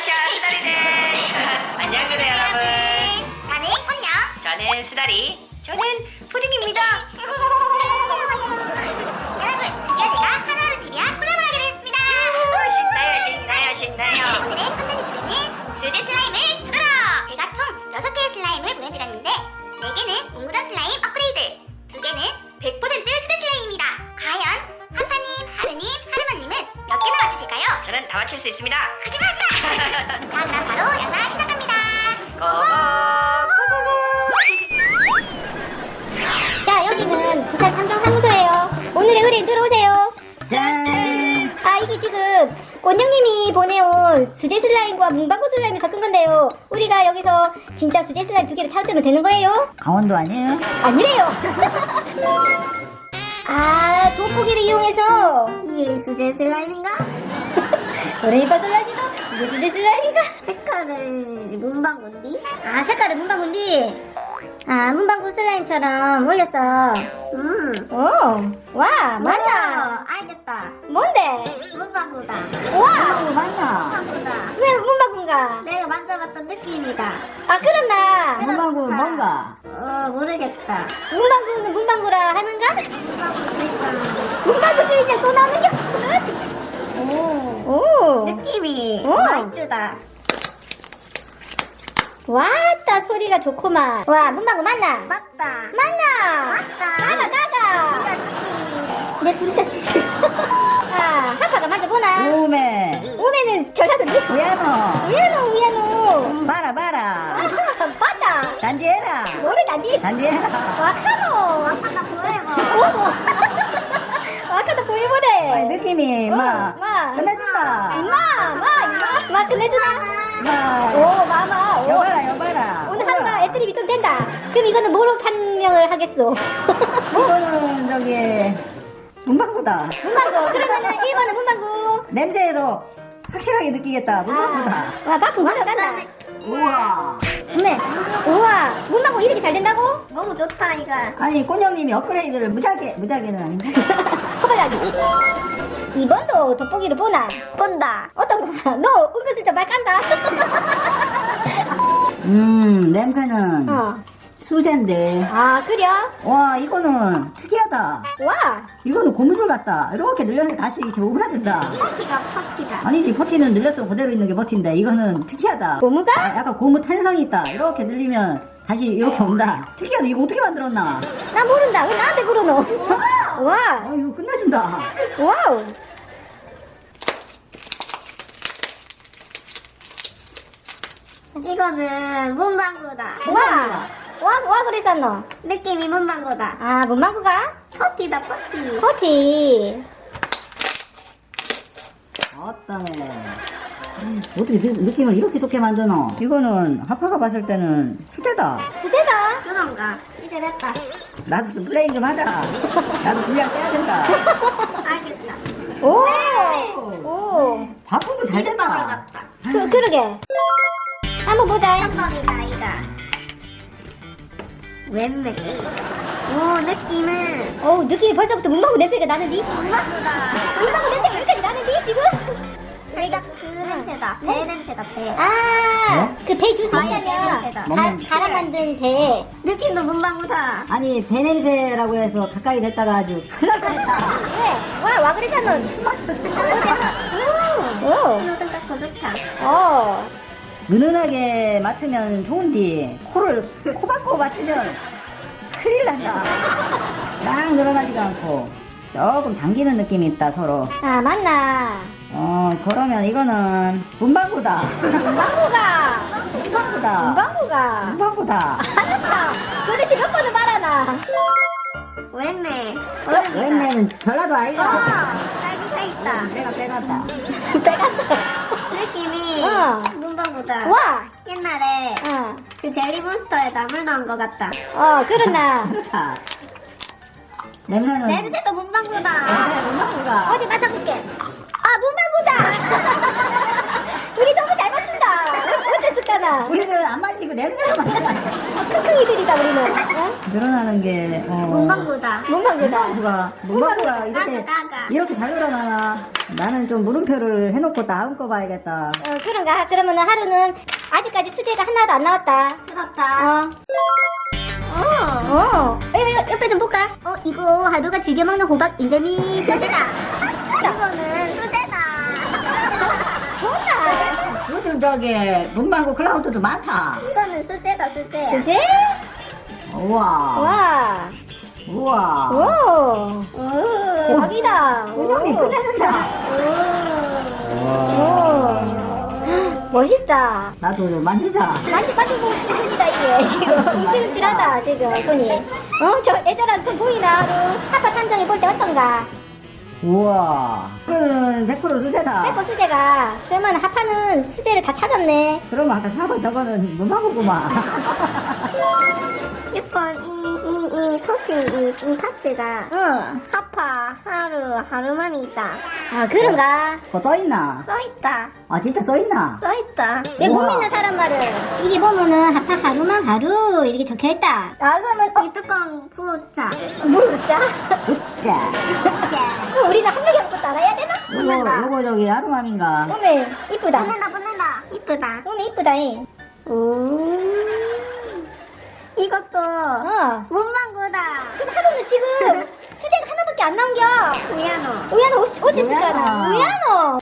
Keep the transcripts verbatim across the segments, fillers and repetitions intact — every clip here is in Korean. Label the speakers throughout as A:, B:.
A: 안녕하세요, 수다리 데스. 안녕하세요, 여러분.
B: 저는 꽃녀.
A: 저는 수다리. 저는 푸딩입니다.
B: 여러분, 드디어 제가 하나하루 티비와 콜라보를 하게 됐습니다.
A: 신나요, 신나요, 신나요.
B: 오늘의 컨텐츠 주제는 수제 슬라임을 찾아라. 제가 총 여섯 개의 슬라임을 보여드렸는데 네 개는 웅구정 슬라임 업그레이드, 두 개는 백 퍼센트 수제 슬라임입니다. 과연 하파님, 하루님, 하루만님은 몇 개나 맞추실까요?
A: 저는 다 맞출 수 있습니다.
B: 하지마 하지마. 자, 그럼 바로 영상 시작합니다.
A: 고고.
B: 자, 여기는 부산 탐정사무소예요. 오늘의 의뢰인 들어오세요.
A: 짠.
B: 아, 이게 지금 꽃영님이 보내온 수제 슬라임과 문방구 슬라임을 섞은 건데요. 우리가 여기서 진짜 수제 슬라임 두 개를 찾으면 되는 거예요?
C: 강원도 아니에요?
B: 아니래요. 아, 돋보기를 이용해서 이게 수제 슬라임인가? 그러니까 슬라시도 이게 수제 슬라임인가? 색깔은 문방구인디? 아, 색깔은 문방구인디? 아, 문방구 슬라임처럼 올렸어. 음. 오, 와, 맞다. 알겠다. 뭔데? 문방구다. 와,
C: 어, 맞나?
B: 문방구다. 왜 문방구인가? 내가 만져봤던 느낌이다. 아, 그렇나?
C: 문방구 뭔가?
B: 어, 모르겠다. 문방구는 문방구라 하는가? 문방구 주인장. 문방구 주인장 또 나오는 게 오. 오. 느낌이 말주다. 왔다, 소리가 좋구만. 와, 문방구 맞나? 맞다. 맞나? 맞다. 가가, 가가. 네, 부르셨어. 아, 하파가 만져보나?
C: 오메
B: 오메는 전라도니?
C: 우야노
B: 우야노, 우야노.
C: 봐라 봐라
B: 아, 맞다.
C: 단지해라
B: 모르다니?
C: 단지해라
B: 와카노. 와카다 보여봐. 오모. 와카다 보여보래.
C: 아니, 느낌이
B: 어,
C: 막
B: 마.
C: 끝내준다
B: 임마, 마, 임마. 마, 끝내주나?
C: 막
B: 오, 마마. 오.
C: 여봐라 여봐라
B: 오늘 하루가 애드립이 좀 된다. 그럼 이거는 뭐로 판명을 하겠소?
C: 이거는 저기 문방구다
B: 문방구. 그러면은 일 번은 문방구.
C: 냄새에서 확실하게 느끼겠다 문방구다
B: 와, 바꾸 말아간다.
C: 우와
B: 네. 우와, 문방구 이렇게 잘 된다고? 너무 좋다, 이거.
C: 아니 꽃형님이 업그레이드를 무작위 무작위는 아닌데
B: 허벌하기. 이 번도 돋보기를 보나? 본다. 어떤 거야? 너 은근슬쩍 말 깐다.
C: 음 냄새는
B: 어.
C: 수제인데
B: 아, 그래?
C: 와 이거는 특이하다
B: 와,
C: 이거는 고무줄 같다 이렇게 늘려서 다시 이렇게 오그라든다
B: 퍼티가, 퍼티가.
C: 아니지 버티는 늘렸으면 그대로 있는 게 버티인데 이거는 특이하다
B: 고무가?
C: 아, 약간 고무 탄성이 있다 이렇게 늘리면 다시 이렇게 온다 특이하다 이거 어떻게 만들었나
B: 나 모른다. 왜 나한테 그러노? 와,
C: 아 이거 끝내준다
B: 와우. 이거는 문방구다. 와, 와, 와 그랬었노? 느낌이 문방구다. 아, 문방구가? 퍼티다, 퍼티. 퍼티.
C: 어떠네 어떻게 느, 느낌을 이렇게 좋게 만드노 이거는 하파가 봤을 때는 수제다
B: 수제다. 그런가? 이제 됐다.
C: 나도 좀 플레이 좀 하자 나도 분량 빼야 된다
B: 알겠다. 오, 오.
C: 바꾸도 잘 된다
B: 그, 그러게. 한번 보자. 한 번이다, 이가. 웬맥. 오, 느낌은. 오, 느낌이 벌써부터 문방구 냄새가 나는디? 문방구다. 문방구 냄새가 여기까지 나는디, 지금? 살짝 그 냄새다. 배 냄새다, 배. 아, 그 배 주스 있잖아.
C: 먹는-
B: 갈아 만든 배. 느낌도 문방구다.
C: 아니 배 냄새라고 해서 가까이 됐다가 아주 큰일 날 뻔했다
B: 왜? 와, 와 그랬잖아. 오, 오. 좋다. 어.
C: 은은하게 맡으면 좋은데 코를 코 박고 맞추면 큰일 난다 막 늘어나지도 않고 조금 당기는 느낌이 있다 서로
B: 아, 맞나.
C: 어 그러면 이거는 문방구다
B: 문방구가.
C: 문방구다
B: 문방구가.
C: 문방구다
B: 알았다. 도대체 몇 번을 말하나? 웬매.
C: 웬매는 전라도 아이가
B: 딸기가 있다.
C: 내가 빼갔다
B: 빼갔다. 느낌이
C: 어.
B: 문방구다. 와. 옛날에
C: 어.
B: 그 젤리몬스터에 나물 넣은 것 같다. 어, 그렇나.
C: 그렇다 냄새는
B: 냄새도 문방구다.
C: 냄새 문방구가
B: 어디 맡아볼게. 아, 문방구다. 우리 너무 잘 맞춘다. 어쨌을까?
D: 있잖아.
C: 우리는 안 만지고 냄새가 맡아.
D: 킁킁이들이다 우리는. 어?
C: 늘어나는 게 어.
B: 문방구다.
D: 문방구다.
C: 문방구가 문방구가 이렇게
B: 나가, 나가.
C: 이렇게 잘 늘어나나? 나는 좀 물음표를 해놓고 다음 거 봐야겠다.
D: 어, 그런가? 그러면은 하루는 아직까지 수제가 하나도 안 나왔다.
B: 그렇다.
D: 어. 어, 어. 이거, 이거 옆에 좀 볼까?
B: 어, 이거 하루가 즐겨 먹는 호박 인절미 수제다. 이거는 수제다.
D: 좋다.
C: 요즘 저기 문방구 클라우드도 많다.
B: 이거는 수제다, 수제야.
D: 수제?
C: 우와.
D: 와.
C: 우와.
D: 오. 오. 대박이다.
C: 구멍이
D: 오.
C: 끝내준다.
D: 오. 멋있다.
C: 나도 좀 만지자.
D: 많이 빠져보고 싶은 손이다 이게 지금 움찔움찔하다 지금 손이. 어? 저 애절한 손 보이나? 하루 하파 탐정이 볼 때 어떤가?
C: 우와. 그거는 백 퍼센트 수제다.
D: 빼고 수제가. 그러면 하파는 수제를 다 찾았네.
C: 그러면 아까 사 번 저거는 문방구구만.
B: 육 번, 이, 이, 이, 토끼, 이, 이 파츠가
D: 응.
B: 하파, 하루, 하루맘이 있다.
D: 아 그런가?
C: 그거 써있나?
B: 써있다.
C: 아 진짜 써있나?
B: 써있다.
D: 왜 못
C: 우와.
D: 믿는 사람 말을? 이게 보면은 하파 하루만 하루 이렇게 적혀있다. 아 그러면 어?
B: 이 뚜껑 부자.
D: 뭐 웃자?
C: 웃자.
B: 부자.
D: 그럼 우리는 한 명이 아무것도 알아야 되나?
C: 요거 요거 저기 하루맘인가?
D: 오메 이쁘다.
B: 붙는다, 붙는다. 이쁘다.
D: 오메 이쁘다 이.
B: 오. 이것도
D: 어.
B: 문방구다.
D: 그럼 하루는 지금 수제가 하나밖에 안 나온겨.
B: 우야노.
D: 우야노 어찌 어찌 쓸까나?
C: 우야노.
D: 우야노.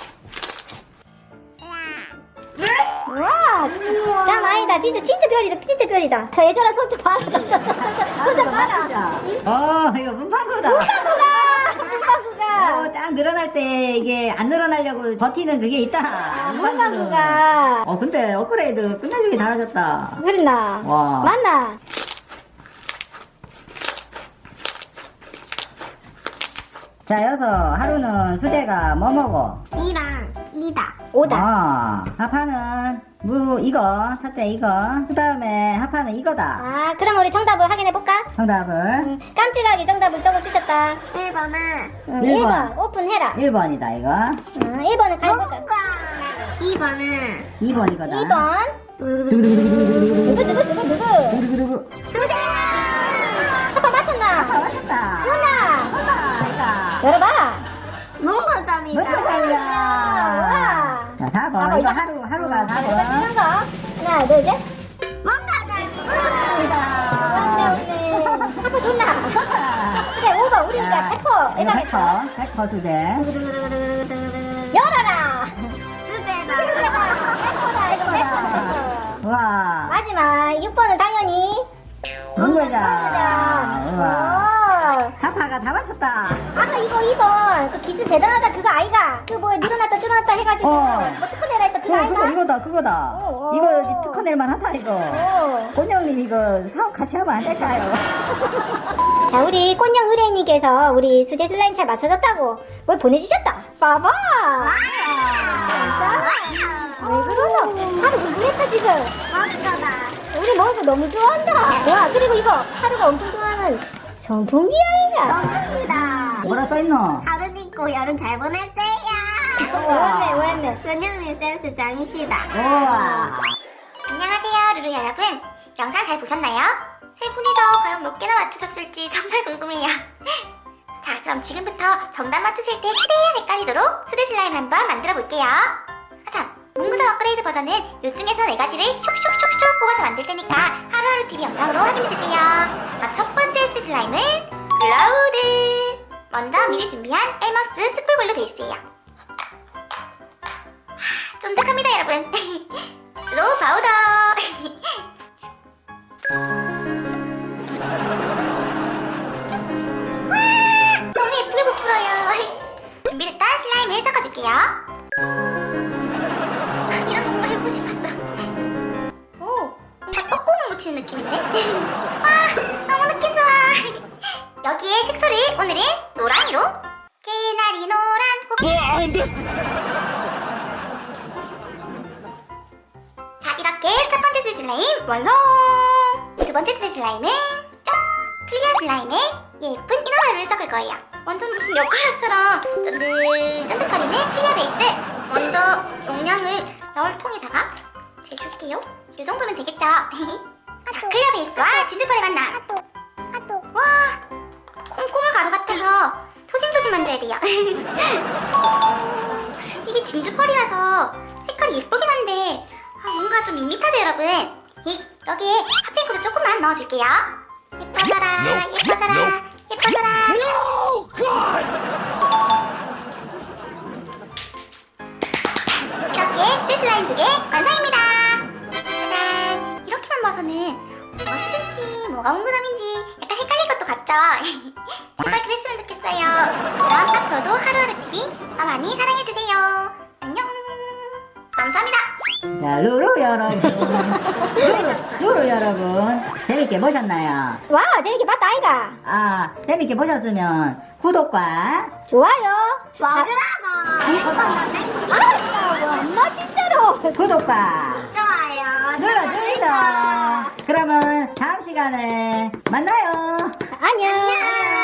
D: 와, 짱 아니다. 진짜 진짜 별이다. 진짜 별이다. 저 애절한 손 좀 봐라. 저저저저손좀 봐라.
C: 어 이거 문방구다.
D: 문방구가 문방구가
C: 어, 딱 늘어날 때 이게 안 늘어나려고 버티는 그게 있다. 문방구는.
D: 문방구가
C: 어 근데 업그레이드 끝내주기 잘하셨다.
D: 그랬나?
C: 와.
D: 맞나?
C: 자 여서 하루는 수제가 뭐 먹어?
B: 이랑 이다.
D: 오다.
C: 아 하파는 무 이거 첫째 이거 그 다음에 하파는 이거다.
D: 아, 그럼 우리 정답을 확인해 볼까?
C: 정답을
D: 음, 깜찍하게 정답을 적어주셨다.
B: 일 번은
D: 음,
C: 일
D: 일 번
C: 번.
D: 오픈해라.
C: 일 번이다 이거.
D: 음, 일 번은 가해볼까?
B: 뭔가. 이 번은
C: 이 번 이거다.
D: 이 번
C: 두구두구두구두구두구.
D: 누구 누구 누구 누구?
C: 두구두구두구.
B: 수제야.
D: 아빠 맞췄나?
C: 아 맞았다.
D: 좋나?
C: 맞다.
D: 열어봐라.
B: 문과점이다.
C: 문과점이야.
D: 우와.
C: 자 사 번
D: 아빠
C: 이거
D: 이거-
C: 하루 하루가 사
D: 이거
C: 번.
D: 찍는 거. 하나 둘 셋.
B: 문과점이다.
D: 맞네 오네. 아빠 좋나? 그래 오 번 우리 이제 백 퍼.
C: 이거
D: 내가
C: 백 퍼. 백 퍼 수제.
D: 열어라.
B: 수제다.
D: 백 퍼다 이거 백 퍼.
C: 우와.
D: 마지막 육 번은 당연히
C: 문과자. 우와.
D: 오.
C: 하파가 다 맞췄다.
D: 아까 이거 이 번 그 기술 대단하다 그거 아이가 그 뭐 늘어났다 줄어났다 해가지고
C: 어.
D: 뭐 특허내라 했다 그거
C: 어,
D: 아이가?
C: 그거 이거다 그거다.
D: 어, 어.
C: 이거 특허낼만 하다 이거.
D: 오.
C: 곤영님 이거 사업 같이 하면 안 될까요?
D: 자 우리 꽃녕 의뢰인님께서 우리 수제 슬라임 잘 맞춰줬다고 뭘 보내주셨다. 봐봐. 왜 그러노? 하루 궁금했다 지금.
B: 맞잖아.
D: 우리 먹은 거 너무 좋아한다. 와 그리고 이거 하루가 엄청 좋아하는 선풍기 아이가.
B: 감사합니다.
C: 뭐라 써있노?
B: 하루 있고 여름 잘 보냈어요.
D: 왜네 왜네.
B: 근영님 센스 짱이시다.
C: 우와.
B: 안녕하세요, 루루 여러분. 영상 잘 보셨나요? 세 분이서 과연 몇 개나 맞추셨을지 정말 궁금해요. 자, 그럼 지금부터 정답 맞추실 때 최대한 헷갈리도록 수제 슬라임 한번 만들어 볼게요. 아, 참, 문구점 업그레이드 버전은 요 중에서 네 가지를 쇽쇽쇽쇽 뽑아서 만들 테니까 하루하루 티비 영상으로 확인해주세요. 자, 첫 번째 수제 슬라임은 클라우드. 먼저 미리 준비한 엘머스 스쿨글루 베이스예요. 하, 쫀득합니다, 여러분. 스노우 파우더. 와, 너무 예쁘게 못 풀어요. 준비됐던 슬라임을 섞어줄게요. 이런 거 한번 해보고 싶었어. 오, 뭔가 떡국을 묻히는 느낌인데? 와, 너무 느낌 좋아. 여기에 색소를 오늘은 노랑이로. 개나리 노란 고... 자, 이렇게 첫 번째 수제 슬라임 완성! 두 번째 수제 슬라임은 짠! 클리어 슬라임에 예쁜 이너가루를 섞을 거예요. 완전 무슨 엿가루처럼 쫀득쫀득거리는 클리어 베이스. 먼저 용량을 넣을 통에다가 재줄게요. 이 정도면 되겠죠? 자, 클리어 베이스와 진주펄의 만남. 와, 콩고물 가루 같아서 조심조심 만져야 돼요. 이게 진주펄이라서 색깔이 예쁘긴 한데 아, 뭔가 좀 밋밋하죠, 여러분? 이, 여기에 핫핑크도 조금만 넣어줄게요. 예뻐져라, 예뻐져라, 예뻐져라. 이렇게 수제 슬라임 두 개 완성입니다. 짜잔! 이렇게만 봐서는 뭐가 수제인지 뭐가 몽구남인지 약간 헷갈릴 것도 같죠? 제발 그랬으면 좋겠어요. 그럼 앞으로도 하루하루 티비 더 많이 사랑해주세요. 안녕. 감사합니다.
C: 자, 루루 여러분. 루루, 루루 여러분. 재밌게 보셨나요?
D: 와, 재밌게 봤다, 아이가.
C: 아, 재밌게 보셨으면 구독과
D: 좋아요.
B: 먹으라고.
D: 알았어, 엄마 진짜로.
C: 구독과
B: 좋아요.
C: 눌러주세요. 그러면 다음 시간에 만나요.
D: 안녕.
B: 안녕.